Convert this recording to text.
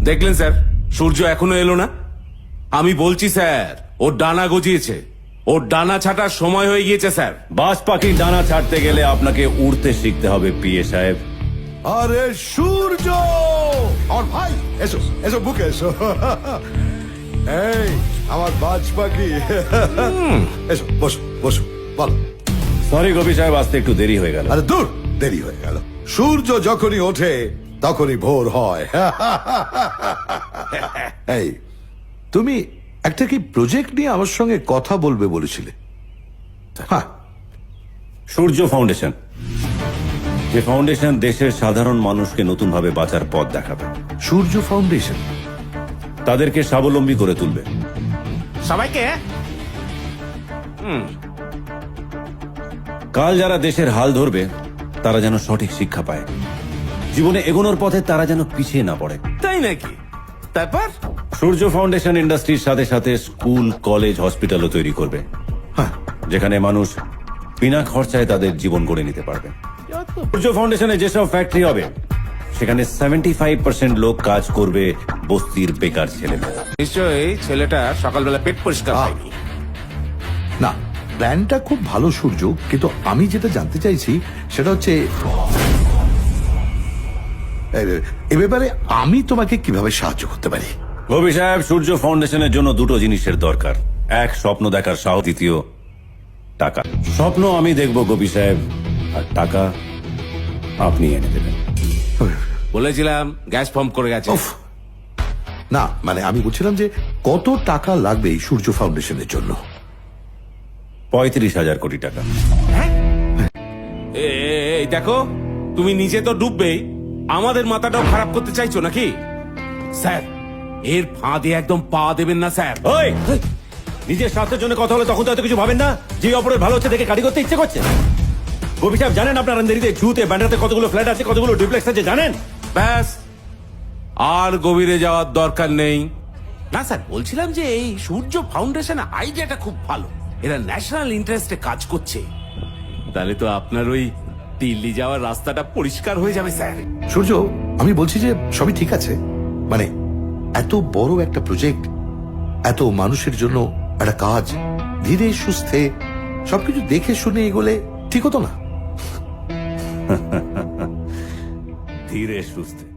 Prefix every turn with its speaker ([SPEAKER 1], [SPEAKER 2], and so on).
[SPEAKER 1] দেখলেন স্যার, সূর্য এখনো এলো না। আমি বলছি স্যার, ওর ডানা গজিয়েছে, ওর ডানা ছাটার সময় হয়ে গিয়েছে স্যার।
[SPEAKER 2] বাজ পাখির ডানা ছাড়তে গেলে আপনাকে উড়তে শিখতে হবে পিএ সাহেব।
[SPEAKER 3] আরে সূর্য, আমার ভাই, এসো এসো বুকে এসো। এই আমার বাজ পাখি, এসো বসো বসো, বলো।
[SPEAKER 2] সরি গোপী সাহেব, আসতে একটু দেরি হয়ে গেল।
[SPEAKER 3] আরে দূর, দেরি হয়ে গেল। সূর্য যখনই ওঠে তখনই ভোর হয়। এই তুমি একটা কি প্রজেক্ট নিয়ে আমার সঙ্গে কথা বলবে বলেছিলে? হ্যাঁ,
[SPEAKER 2] সূর্য ফাউন্ডেশন, যে ফাউন্ডেশন দেশের সাধারণ মানুষকে নতুন ভাবে বাঁচার পথ দেখাবে,
[SPEAKER 3] সূর্য ফাউন্ডেশন
[SPEAKER 2] তাদেরকে স্বাবলম্বী করে তুলবে।
[SPEAKER 1] সবাইকে
[SPEAKER 2] কাল যারা দেশের হাল ধরবে তারা যেন সঠিক শিক্ষা পায়, জীবনে এগোনোর পথে তারা যেন পিছিয়ে না পড়ে।
[SPEAKER 1] তাই নাকি? তারপর
[SPEAKER 2] সূর্য ফাউন্ডেশন ইন্ডাস্ট্রির সাথে সাথে স্কুল, কলেজ, হসপিটালও তৈরি করবে, যেখানে মানুষ বিনা খরচায় তাদের জীবন গড়ে নিতে পারবে। সূর্য ফাউন্ডেশনে যেসব ফ্যাক্টরি হবে সেখানে 75% লোক কাজ করবে বস্তির বেকার ছেলেমেয়েরা।
[SPEAKER 1] নিশ্চয়ই ছেলেটা সকালবেলা পেট পরিষ্কার হয়নি।
[SPEAKER 3] না, প্ল্যানটা খুব ভালো সূর্য, কিন্তু আমি যেটা জানতে চাইছি সেটা হচ্ছে এ ব্যাপারে আমি তোমাকে কিভাবে সাহায্য করতে পারি?
[SPEAKER 2] গোপী সাহেব, সূর্য ফাউন্ডেশনের জন্য দুটো জিনিসের দরকার। এক, স্বপ্ন দেখার সাহস। দ্বিতীয়, টাকা। স্বপ্ন আমি দেখব গোপী সাহেব, আর টাকা আপনি এনে দেবেন।
[SPEAKER 1] বলেছিলাম গ্যাস ফর্ম করে গেছে।
[SPEAKER 3] উফ, না মানে আমি বলছিলাম যে কত টাকা লাগবে এই সূর্য ফাউন্ডেশনের জন্য?
[SPEAKER 2] 35,000 কোটি টাকা।
[SPEAKER 1] এই দেখো, তুমি নিজে তো ডুববেই, আমাদের মাথাটাও খারাপ করতে চাইছো নাকি? স্যার, এর ফাঁদে একদম পা দেবেন না স্যার।
[SPEAKER 2] ওই, নিজের স্বার্থের জন্য কথা হলে তখন তো এত কিছু ভাবেন না। যে অপরের ভালো হচ্ছে দেখে কাটি করতে ইচ্ছে করছে। গোপী সাহেব, জানেন আপনার আন্দারিতে, জুতে, ব্যান্ডাতে কতগুলো ফ্ল্যাট আছে, কতগুলো ডুপ্লেক্স আছে জানেন?
[SPEAKER 1] ব্যাস, আর গভীরে যাওয়ার দরকার নেই। না স্যার, বলছিলাম যে এই সূর্য ফাউন্ডেশন আইডিয়াটা খুব ভালো। এরা ন্যাশনাল ইন্টারেস্টে কাজ করছে, তাহলে তো আপনার ওই দিল্লি যাওয়ার রাস্তাটা পরিষ্কার হয়ে যাবে স্যার।
[SPEAKER 3] সূর্য, আমি বলছি যে সবই ঠিক আছে, মানে এত বড় একটা প্রজেক্ট, এত মানুষের জন্য একটা কাজ, ধীরে সুস্থে সবকিছু দেখে শুনে এগোলে ঠিক হতো না?
[SPEAKER 2] ধীরে সুস্থে